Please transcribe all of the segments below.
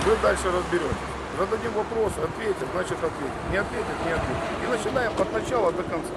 Вы дальше разберетесь. Зададим вопрос, ответит, значит ответит. Не ответит, не ответит. И начинаем от начала до конца.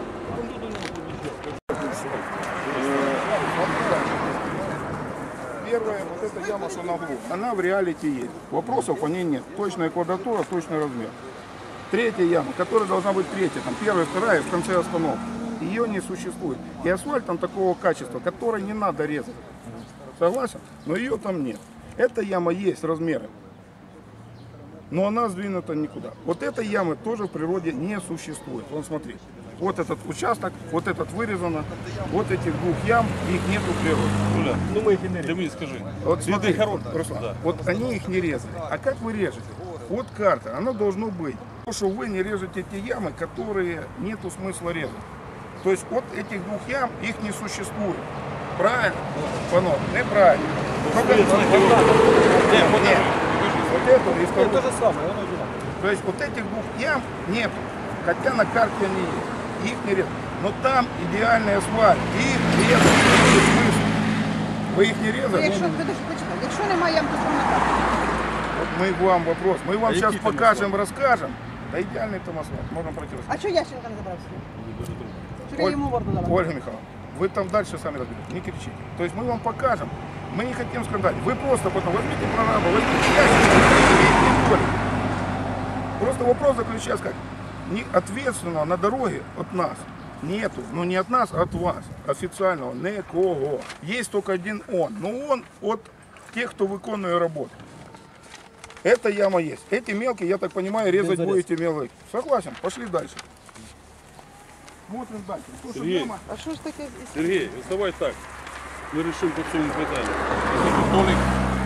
Первая, вот эта яма, что на углу, она в реалити есть. Вопросов по ней нет. Точная квадратура, точный размер. Третья яма, которая должна быть третья, там первая, вторая, в конце остановки. Ее не существует. И асфальт там такого качества, который не надо резать. Согласен? Но ее там нет. Эта яма есть размеры. Но она сдвинута никуда. Вот этой ямы тоже в природе не существует. Вон смотри. Вот этот участок, вот этот вырезано. Вот этих двух ям, их нету в природе. Ну мы их и не резали. Ты мне скажи. Вот смотри, Руслан, да. Вот они их не резали. А как вы режете? Вот карта, она должна быть. Потому что вы не режете те ямы, которые нету смысла резать. То есть от этих двух ям их не существует. Правильно? Панов, неправильно. Нет. Вот эту и вторую. То же самое, То есть вот этих двух ям нет. Хотя на карте они есть. Их не резать. Но там идеальный асфальт. Их резать не смысл. Вы их не резали? Якщо немає ям, то що на карті? Вот мы вам вопрос. Мы вам сейчас покажем, расскажем. Да идеальный там асфальт. Можно пройти. А що Ященко не забрав собі? Що йому морду дала? Ольга Михайловна, вы там дальше сами разберете, не кричите. То есть мы вам покажем, мы не хотим скандалить. Вы просто потом возьмите прораба, возьмите Ященко. Просто вопрос заключается как? Не ответственно на дороге от нас нету, но не от нас, а от вас, официального, никого. Есть только один он, но он от тех, кто выполняет работу. Эта яма есть. Эти мелкие, я так понимаю, резать будете мелкие. Согласен, пошли дальше. Смотрим дальше. Сергей, А що ж таке? Сергей, давай так. Ми вирішимо по цьому питанню. Толік,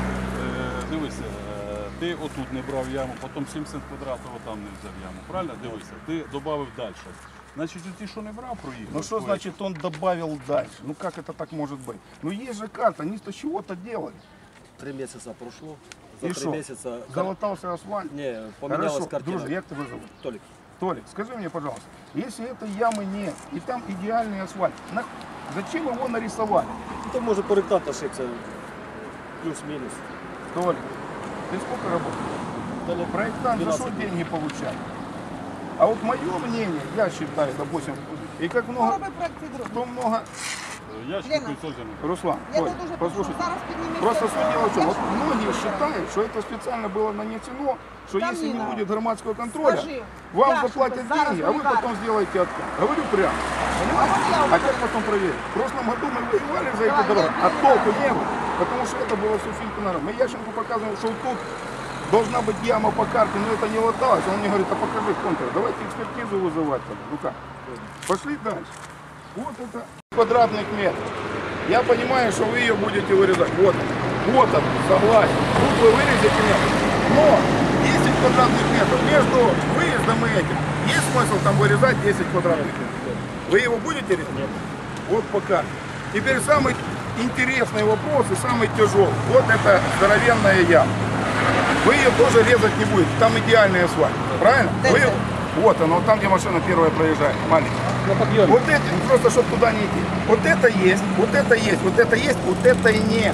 дивися, ти отут не брав яму, потім 70 квадратів там не взяв яму. Правильно? Дивися, ти додав далі. Значит, ты что не брал проехал? Ну что значит он добавил дальше? Ну как это так может быть? Ну есть же карта, они-то чего-то делали. 3 месяца прошло. За И 3 что? месяца... Залатался асфальт? Не, поменялась Хорошо, картина. друже, как тебя зовут? Толик. Толик, скажи мне, пожалуйста, если этой ямы нет, и там идеальный асфальт, зачем его нарисовали? Это может проектант ошибся. Плюс-минус. Толик, ты сколько работаешь? Проектант за что деньги получает? А вот мое мнение, я считаю, допустим, и как много, Роби проект друг. кто много... Ящик создан. Руслан, Я Толь, тут уже послушай, зараз піднімемо. просто суть дела в чем, вот многие считают, что это специально было нанесено, что Там если не не надо. будет громадского контроля, Скажи, вам Яшенко, заплатят зараз деньги, а вы бригада. потом сделаете откат. Говорю прямо. Понимаете? А как потом проверить? В прошлом году мы воевали за эту дорогу, а толку не было, потому что это было все фильтр. Мы Ященко показывали, что тут должна быть яма по карте, но это не латалось. Он мне говорит, а покажи контур, давайте экспертизу вызывать. Ну как? Пошли дальше. Вот это квадратных метров. Я понимаю, что вы ее будете вырезать. Вот он, согласен. Тут вы вырезете метр. Но 10 квадратных метров между выездом и этим. Есть смысл там вырезать 10 квадратных метров? Вы его будете резать? Нет. Вот пока. Теперь самый интересный вопрос и самый тяжелый. Вот это здоровенная яма. Вы ее тоже резать не будете. Там идеальный асфальт. Правильно? Вы... Вот оно, там, где машина первая проезжает. Маленькая. Вот это, просто чтобы туда не идти. Вот это есть, вот это есть, вот это есть, вот это и нет.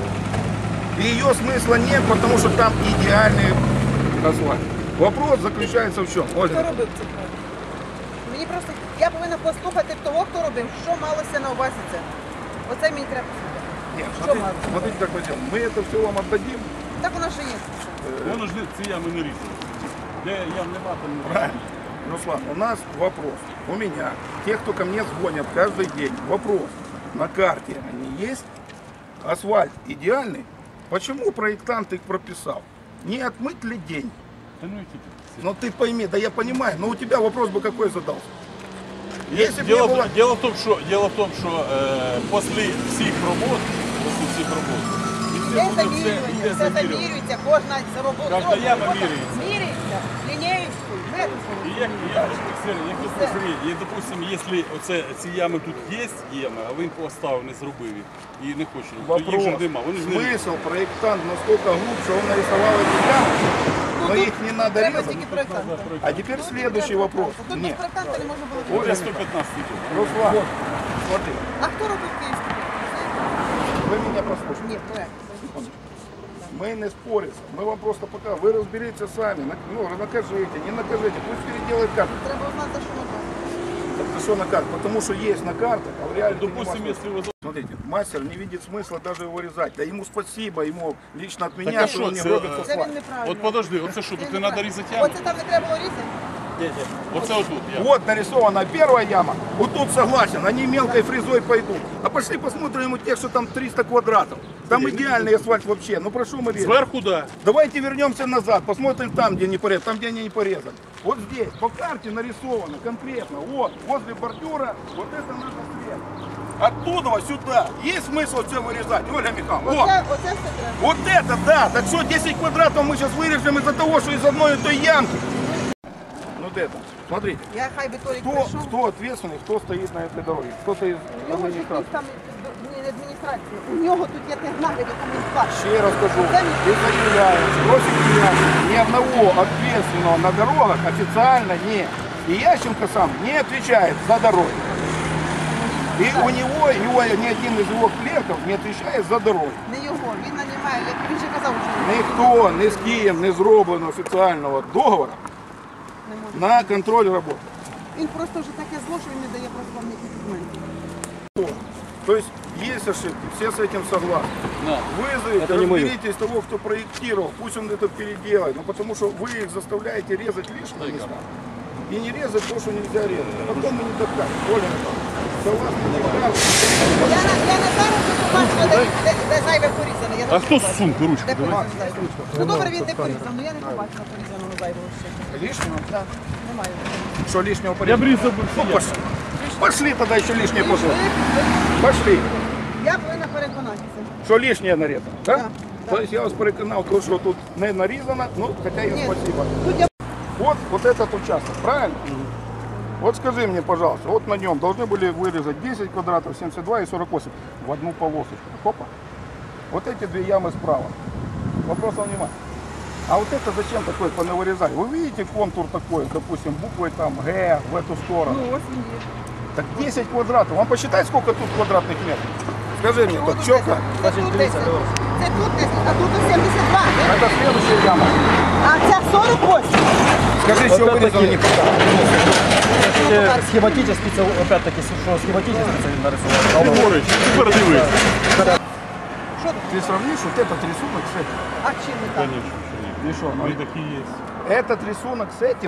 И ее смысла нет, потому что там идеальный асфальт. Вопрос заключается в чем? Хто робив це? Мені просто, я повинна послухати того, хто робив, що малося на увазі це. Оце мені треба. Нет, Что мало? смотрите, как мы делаем. Мы это все вам отдадим. Так воно ж є. Воно ж ці ями не різали. Де ям нема, там не Правильно. Руслан, у нас вопрос. У меня, тех, кто ко мне звонят каждый день, вопрос. На карте они есть? Асфальт идеальный? Почему проектант их прописал? Не отмыть ли день? Та ну які ти. Ну ты пойми, да я понимаю, но у тебя вопрос бы какой задался? Если бы не Дело, было... дело в том, що після всіх робот, Є замірювання, все замірюється, кожна робота. Кожна яма міряється. Міряється, лінієчкою, метрикою. І як допустим, якщо ці ями тут є, а він поставив, не зробив їх і не хоче, то їх Вопрос. же нема. Вони ж не Смысл проектант настолько глубже, он нарисовал эти ямы, но их не надо Треба резать. тільки проєктанта. А теперь следующий вопрос. Тут без Нет. проєктанта не можна було. Оля 115 тисяч. Руслан, смотри, А хто робив київський? вы меня послушайте. Ні, проєкт. мы не споримся. Мы вам просто пока, вы разберитесь сами, ну, накажите, не накажите, пусть переделает карту. Треба узнати, за що наказують. Так что на картах? Потому что есть на картах, а в реале Допустим, если вы... Смотрите, мастер не видит смысла даже его резать. Да ему спасибо, ему лично от меня, Так а что что он не это? робит Це асфальт. він неправильно. От подожди, оце що, тут не треба різати яму? Оце там не треба було різати? Оце отут яма. Вот нарисована первая яма, вот тут согласен, они мелкой фрезой пойдут. А пошли посмотрим ему тех, что там 300 квадратов. Там идеальный асфальт вообще, ну прошу мы режем. Зверху, да. Давайте вернемся назад, посмотрим там, где не порезали, там, где они не порезали. Вот здесь, по карте нарисовано конкретно, вот, возле бордюра, вот это надо след. Оттуда сюда. Есть смысл все вырезать, Ольга Михайловна? Вот. Оце все треба. Вот это да! Так что 10 квадратов мы сейчас вырежем из-за того, что из одной и той ямки. Вот это. Смотрите. Я хай би Толік Кто, прийшов. кто ответственный, кто стоит на этой дороге? Кто-то из У нього ж якісь там не адміністрація. У нього тут є технагляд, яка він платить. Ще раз скажу, и заявляем, просим меня, ни одного ответственного на дорогах официально нет. И Ященко сам не отвечает за дороги. И у него ни один из его клерков не отвечает за дороги. Не його, він нанімає, як він же казав, що Ніхто ні з ким не зроблено офіційного договору не може. на контроль роботи. Він просто вже таке зло, що він не дає просто вам ніяких документів. То есть есть ошибки, все с этим согласны. На. Вызовите, Это не моё. разберитесь того, кто проектировал, пусть он это переделает. Ну потому что вы их заставляете резать лишние места. И не резать то, что нельзя резать. А потом мы не докажем. Оля Михайловна, согласно доказу. Я не зараз не побачила, де зайве порізане. Я не А хто побачила. з сумки ручки? Де Давай. порізане зайве? Ну добре, він не порізав, але я не побачила порізаного зайвого ще. Лишнего? Так, немає. Что лишнего Я порезать? б різав би Ну, всі. пошли. Пошли тогда еще лишнее пошло. Ви- Пошли. Я повинна переконатися. Что лишнее нарезано, да? Да, То есть я вас переконал, то, что тут не нарезано, ну, хотя и Ні, спасибо. тут я Вот этот участок, правильно? Вот скажи мне, пожалуйста, вот на нем должны были вырезать 10 квадратов, 72 и 48 в одну полосочку. Хопа. Вот эти две ямы справа. Вопрос внимания. А вот это зачем такое понавырезали? Вы видите контур такой, допустим, буквой там Г в эту сторону? ну, ось він є. Так 10 квадратов. Вам посчитать, сколько тут квадратных метров? Скажи мне, Чого так тут четко. 10? Це тут 10. Це тут 10, а тут 72. Это следующая яма. А ця 48. Скажи, что вырезано не хватает. Схематически, це опять-таки, що схематически це він нарисував. Григорич, тепер дивись. Що тут? Ты сравнишь вот этот рисунок с этим? А чим не так? Конечно, що ні. И что, Вони такі є. этот рисунок с этим?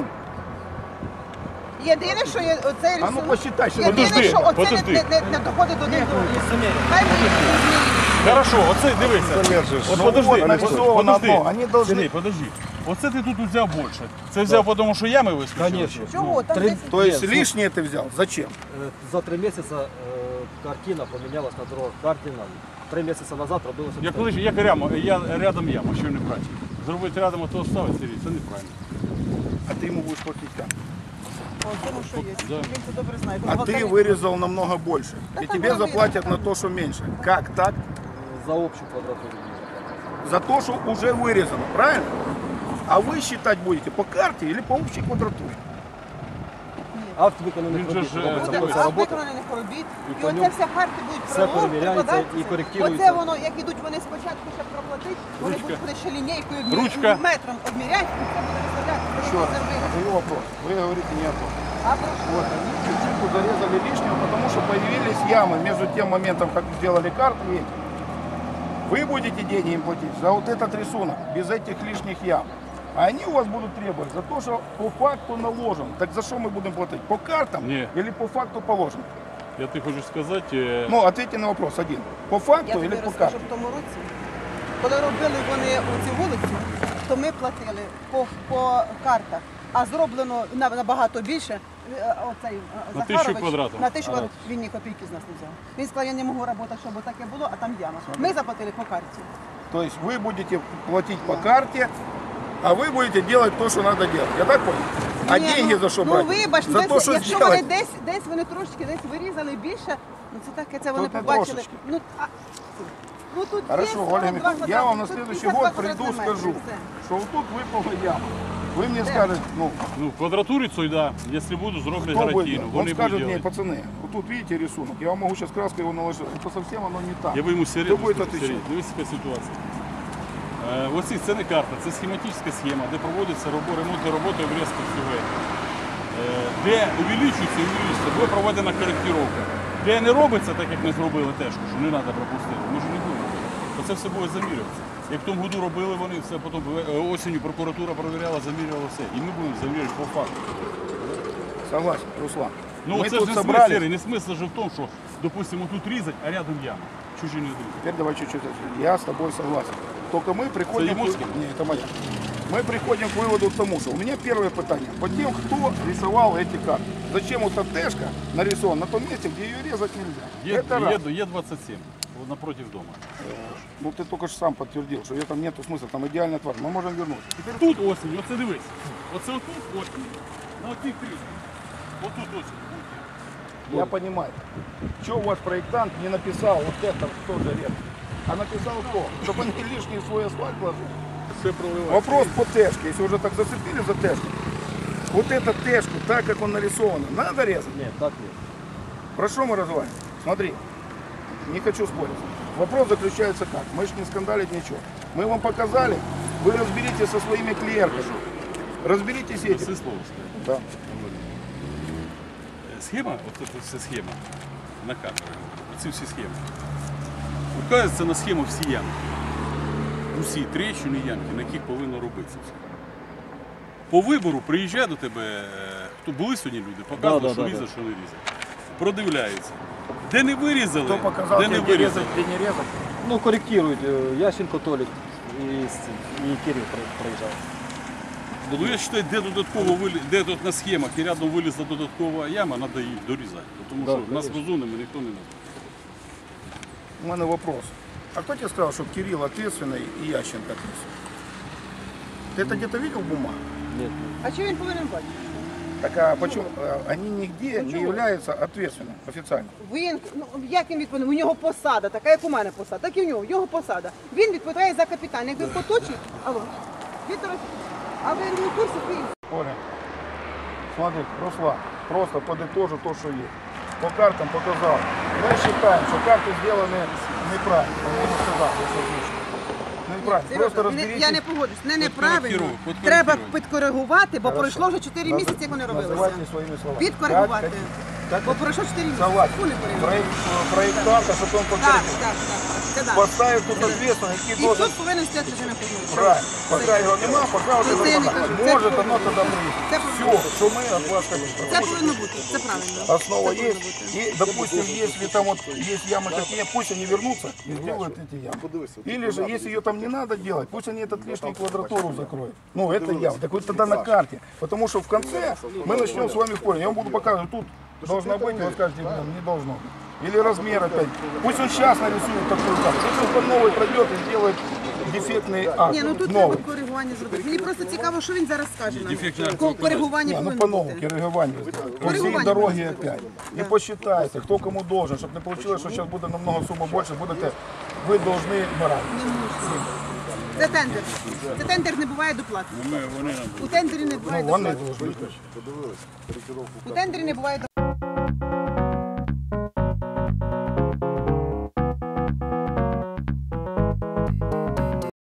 Єдине, що є оцей А ну рисунок. посчитай, что Єдине, Подожди, що оце подожди. не доходить до них. Хай мені змінюють. Хорошо, оце дивися. От подожди, вот нарисовано подожди. одно. Они должны... Сергій, подожди. Оце ти тут взяв більше. Це взяв, тому що ями вискочили? Конечно. Чого? Там Три- 10. То есть Нет, лишнее ты взял? Зачем? За 3 месяца картина поменялась на дорогах. Картина 3 месяца назад робилася. Як рядом яма, що не правильно. Зробити рядом, а то ставити, Сергій, це неправильно. А ты ему будешь платить как? О, тому що є. Да. Він це добре знає. А ты Бухгалтерія. вырезал намного больше. Да И там тебе было заплатят видно. на то, что меньше. Как так? За общу квадратуру. За то, что уже вырезано, правильно? А вы считать будете по карте или по общей квадратуре? Акт виконаних Він же робіт. ж, робиться Буде процес акт роботи. виконаних робіт, і по оце ньому вся карти будуть все перевіряється прикладатися. і коректується. Оце воно, як ідуть вони спочатку, щоб проплатити, вони Ручка. будуть ще лінійкою Ручка. метром обміряти, і це буде виставляти. Еще раз, задаю вопрос. Вы говорите не о том. А про що? Вот, они чуть-чуть зарезали лишнего, потому что появились ямы между тем моментом, как сделали карту и этим. Вы будете деньги им платить за вот этот рисунок, без этих лишних ям. А они у вас будут требовать за то, что по факту наложен. Так за что мы будем платить? По картам Не. или по факту положено? Я ти хочу сказати, Ну, ответьте на вопрос один. По факту Я или тобі по розкажу, картам? в тому році, коли робили вони цю вулицю, то ми платили по картах, а зроблено набагато більше. Оцей На 1000 Захарович, квадратів. На 1000 квадратів. Він ні копійки з нас не взяв. Він сказав, я не можу працювати, щоб таке було, а там яма. Ми заплатили по карті. То есть вы будете платить по карте, а вы будете делать то, что надо делать. Я так понял? А Ні, деньги за что ну, брать? вибач, За то, что якщо вони сделать. десь вони трошки десь вирізали більше, ну це таке, це вони Тут не побачили. трошечки. Ну тут Хорошо, є Ольга 42 Михайловна, я вам на квадратних, тут следующий 52 год приду, квадратних метри, скажу, все. что вот тут выпала яма. Вы мне скажете, ну, ну, квадратурі цей, да, якщо буду, зроблять кто будет? гарантійно. Он Вони скажет будуть мне, робити. пацаны, вот тут видите рисунок, я вам могу сейчас краской его наложить, это совсем оно не так. Я би йому Кто будет серйозно, отвечать? дивись, яка ситуація. Оці це не карта, це схематична схема, де проводяться ремонтні роботи обрізки всього. Де увеличується, буде проведена коректировка. Де не робиться, так як ми зробили теж, що не треба пропустити, ми ж не будемо робити. Оце все буде замірюватися. Як в тому году робили вони, все потім осінню прокуратура перевіряла, замірювала все. І ми будемо замірювати по факту. Согласен, Руслан. Ну Мы це тут ж не собрались. смисл, не смисл же в тому, що, допустимо, тут різать, а рядом яма. Чужі не йдуть. Теперь давай чуть-чуть. Я с тобой согласен. Только мы приходим... Это Емовский? Нет, это моя. Мы приходим к выводу к тому, что у меня первое питание. По тем, кто рисовал эти карты. Зачем вот эта Т-шка нарисована на том месте, где ее резать нельзя? Это раз. Е27, вот напротив дома. Ну ты только что сам подтвердил, что там нету смысла, там идеальная тварь. Мы можем вернуть. Теперь Тут осінь, оце дивись. Оце отут осінь. На отих трісках. Отут осінь. я понимаю. Что ваш проектант не написал вот это тоже резать? А написал кто? Чтобы они лишний свой асфальт ложили. Все проливається. Вопрос по Т-шке, если уже так зацепили за Т-шку. Вот эту Т-шку, так как он нарисован, надо резать? Нет, так нет. Про что мы разговариваем? Смотри, не хочу спорить. Вопрос заключается как? Мы же не скандалить ничего. Мы вам показали, вы разберитесь со своими клиентами. Разберитесь Все этим. слово сказати. Да. Схема, от це вся схема на камері, оці всі схеми. Указується на схему всі ямки. Усі тріщини ямки, на яких повинно робитися все. По вибору приїжджає до тебе, хто були сьогодні люди, показують, що різать, що не різать. Продивляються. Де не вирізали, Кто показал, де не тебе, где вирізали. резать, где не резать? Ну, корректирует Ященко Толик и Кирилл проезжал. Ну я вважаю, де тут на схемах і рядом вилізла додаткова яма, треба її дорізати. Тому Да, що нас конечно. розумними ніхто не назвав. У меня вопрос. А кто тебе сказал, что Кирилл ответственный и Ященко ответственный? Ты это где-то видел в бумагах? Нет, А що він повинен бачити? Так а почему они нигде не являются ответственным официально? Він, ну як він відповідає? У нього посада, така як у мене посада, так і в нього, його посада. Він відповідає за капітан. Як він поточить, алло, Віктор, а ви не в курсі, ви Оля, смотри, Руслан, просто подытожу то, что есть. По картам показал. Мы считаем, что карты сделаны неправильно. Он мне сказал, что озвучил. Неправильно. Просто Сережа, разберитесь. я не погоджусь, неправильно. Підкоригуй. Треба підкоригувати, бо Хорошо. пройшло вже 4 місяці, як вони робилися. Называйте своими словами. Підкоригувати. Как Бо пройшло 4 місяці. Согласен. Фу, не коригувати. Проектанта, чтобы он Так, покорректировал. так, це да. Поставив тут ответственность, І який должен... тут повинен стояти вже на кухні. Правильно. Пока его нема, пока вот Це я не это кажу. может Це оно тогда Це Все, что мы от вас хотим. Це повинно бути, це правильно. Основа Це повинно есть. бути. И, допустим, если там вот есть ямы такие, пусть они вернутся и сделают эти ямы. Или же, если ее там не надо делать, пусть они этот лишний квадратуру закроют. Ну, это яма. Так вот тогда на карте. Потому что в конце мы начнем с вами спорить. Я вам буду показывать, тут должно быть, вы скажете, блин, не должно быть. Или размер опять. Пусть он сейчас нарисует такую карту. Пусть он по новой пройдет и сделает дефектный акт. Ні, ну тут треба Новый. коригування зробити. Мені просто цікаво, що він зараз скаже нам. Дефектний акт Коригування Не, ну повинно по-новому, бути. коррегирование. По всей Коррегирование дороге будет. опять. И посчитайте, кто кому должен, чтобы не получилось, что сейчас будет намного сумма больше, будете, вы должны морально. Це тендер. Це тендер, не буває доплати. Вони нам У тендері не буває Ну, вони доплати. должны. У тендері не буває доплати.